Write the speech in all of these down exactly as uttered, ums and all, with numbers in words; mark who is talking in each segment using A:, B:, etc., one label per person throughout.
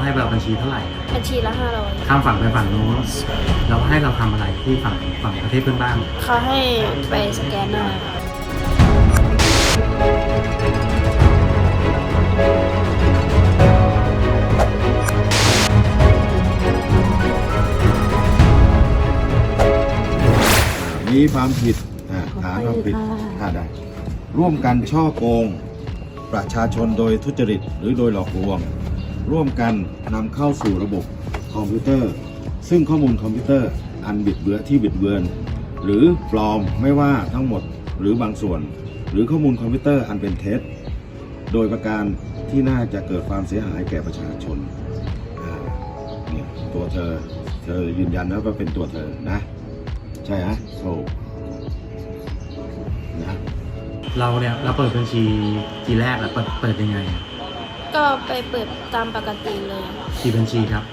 A: ให้เราบัญชีเท่าไหร่
B: บัญชีละห้าร้อย
A: ข้ามฝั่งไปฝั่งโน้นแล้วให้เราทำอะไรที่ฝั่งฝั่งประเทศเพื่อนบ้าน
B: เขาให้ไปสแกนหน้า
C: มีความผิดฐานความผิดได้ร่วมกันช่อโกงประชาชนโดยทุจริตหรือโดยหลอกลวงร่วมกันนำเข้าสู่ระบบคอมพิวเตอร์ซึ่งข้อมูลคอมพิวเตอร์อันบิดเบือนที่บิดเบือนหรือปลอมไม่ว่าทั้งหมดหรือบางส่วนหรือข้อมูลคอมพิวเตอร์อันเป็นเท็จโดยประการที่น่าจะเกิดความเสียหายแก่ประชาชนเนี่ยตัวเธอเธอยืนยันนะว่าเป็นตัวเธอนะใช่ฮะโอ้นะ
A: เราเนี่ยเราเปิดบัญชีทีแรกอะเปิดเปิดยังไง
B: ก็ไปเปิดตามปกติเลย
A: กี่บัญชีครับ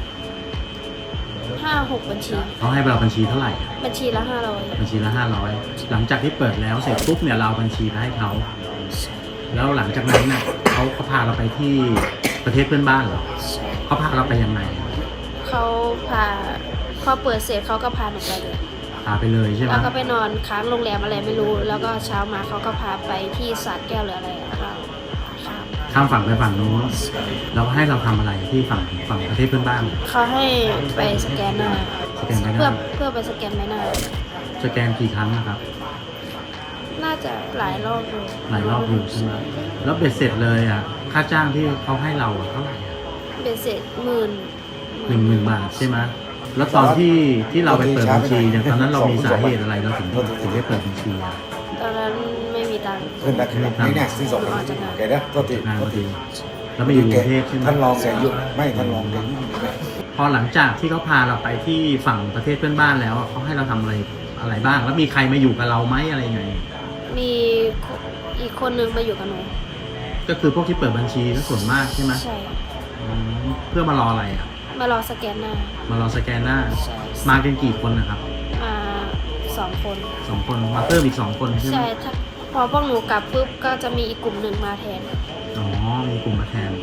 B: ห้าหกบัญชี
A: เขาให้เราบัญชีเท่าไหร่
B: บัญชีละห้าร้อย
A: บัญชีละห้าร้อยหลังจากที่เปิดแล้วเสร็จปุ๊บเนี่ยเราบัญชีไปให้เขาแล้วหลังจากนั้นเนี่ยเขาเขาพาเราไปที่ประเทศเพื่อนบ้านเหรอเขาพาเราไปยังไง
B: เขาพาพอเปิดเสร็จเขาก็พาหนูไปเลย
A: พาไปเลยใช่ไหม
B: แล้วก็ไปนอนค้างโรงแรมอะไรไม่รู้แล้วก็เช้ามาเขาก็พาไปที่สระแก้วหรืออะไรเรา
A: ข้ามฝั่งไปฝั่งโน้นแล้วให้เราทำอะไรที่ฝั่งฝั่งประเทศเพื่อนบ้าน
B: เขาให้ไปสแกนหน้า
A: สแกนใบหน้า
B: เพื่อเพื่อไปสแกนใบหน้า
A: สแกนกี่ครั้งนะครับ
B: น่าจะหลายรอบอยู่
A: หลายรอบอยู่ใช่ไหมแล้วเบ็ดเสร็จเลยอ่ะค่าจ้างที่เขาให้เราเท่าไหร่
B: เบ็ดเสร็จหมื่น
A: หนึ่งหมื่นบาทใช่ไหมแล้วตอนที่ที่เราไปเปิดบัญชีเนี่ยตอนนั้นเรามีสาเหตุอะไรเราถึงถึงได้เปิดบัญชี
B: ตอนนั้นไม่มีตังค์
C: ขึ้นนะขึ้นนะนี่เนี่ยที่สองแกนะโทษที
A: งานพอดีแล้วมาอยู่กรุงเทพใช่ไหม
C: ท่านรองแกยุ่งไม่ท่านรองแกยุ่ง
A: พอหลังจากที่เขาพาเราไปที่ฝั่งประเทศเพื่อนบ้านแล้วเขาให้เราทำอะไรอะไรบ้างแล้วมีใครมาอยู่กับเราไหมอะไรไง
B: มีอีกคนนึงมาอยู่กับหนู
A: ก็คือพวกที่เปิดบัญชีส่วนมากใช่ไหม
B: ใช่
A: เพื่อมารออะไรอ่ะ
B: มารอสแกนหน้าม
A: ารอสแกนหน้ามากันกี่คนนะครับ
B: มาสองคน
A: สองคนมาเพิ่มอีกสองคนใช่ไหม
B: ใช่ถ้าพอพวกหนูกลับปุ๊บก็จะมีอีกกลุ่มหนึ่งมาแทน
A: อ๋อมีกลุ่มมาแทน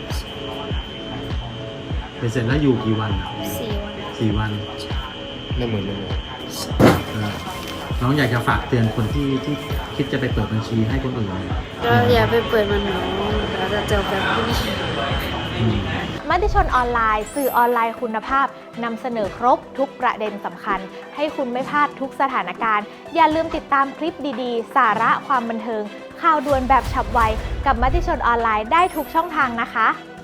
A: ไปเสร็จแล้วอยู่กี่วัน
B: สี่วัน
A: สี่วัน
C: ไม่เหมือนเลย
A: น้องอยากจะฝากเตือนคนที่ที่คิดจะไปเปิดบัญชีให้คนอื่น
B: ก็อย่าไปเปิดมันหนูเราจะเจอแบบนี้
D: มติชนออนไลน์สื่อออนไลน์คุณภาพนำเสนอครบทุกประเด็นสำคัญให้คุณไม่พลาดทุกสถานการณ์อย่าลืมติดตามคลิปดีๆสาระความบันเทิงข่าวด่วนแบบฉับไวกับมติชนออนไลน์ได้ทุกช่องทางนะคะ